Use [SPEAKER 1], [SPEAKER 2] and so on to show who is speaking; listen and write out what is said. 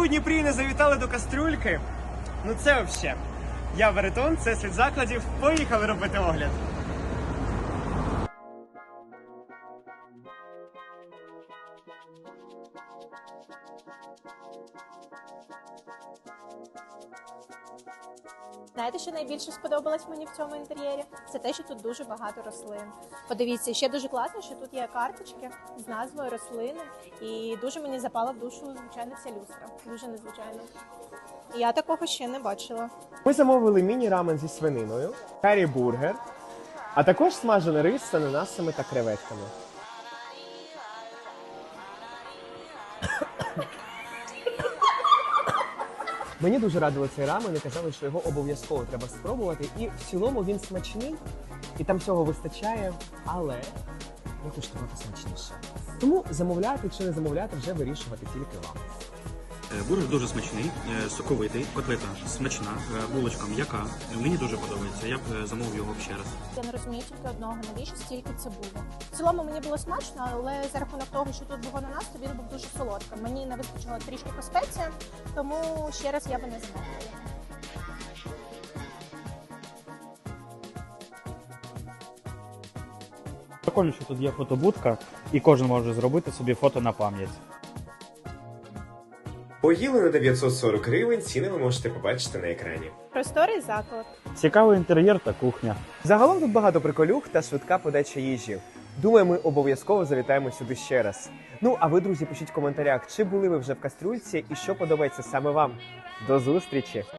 [SPEAKER 1] у Дніпрі не завітали до кастрюльки, ну це взагалі. Я Веретон, це Світ закладів. Поїхали робити огляд.
[SPEAKER 2] Знаєте, що найбільше сподобалось мені в цьому інтер'єрі? Це те, що тут дуже багато рослин. Подивіться, ще дуже класно, що тут є карточки з назвою рослини. І дуже мені запала в душу, звичайно, ця люстра. Дуже незвичайно. Я такого ще не бачила.
[SPEAKER 1] Ми замовили міні-рамен зі свининою, карі-бургер, а також смажений рис з ананасами та креветками. Мені дуже радили цей рамен і казали, що його обов'язково треба спробувати. І в цілому він смачний, і там всього вистачає, але я хочу трохи смачніше. Тому замовляти чи не замовляти вже вирішувати тільки вам.
[SPEAKER 3] Бургер дуже смачний, соковитий, котлета смачна, булочка м'яка. Мені дуже подобається, я б замовив його ще раз.
[SPEAKER 2] Я не розумію тільки одного, навіщо стільки цибулі. В цілому мені було смачно, але за рахунок того, що тут був ананас, то він був дуже солодким. Мені не вистачило трішки по спеціям, тому ще раз я би не замовила.
[SPEAKER 4] Прикольно, що тут є фотобудка, і кожен може зробити собі фото на пам'ять.
[SPEAKER 1] Поїли на 940 гривень, ціни ви можете побачити на екрані.
[SPEAKER 2] Просторий заклад.
[SPEAKER 4] Цікавий інтер'єр та кухня.
[SPEAKER 1] Загалом тут багато приколюх та швидка подача їжі. Думаю, ми обов'язково завітаємо сюди ще раз. Ну, а ви, друзі, пишіть в коментарях, чи були ви вже в кастрюльці і що подобається саме вам. До зустрічі!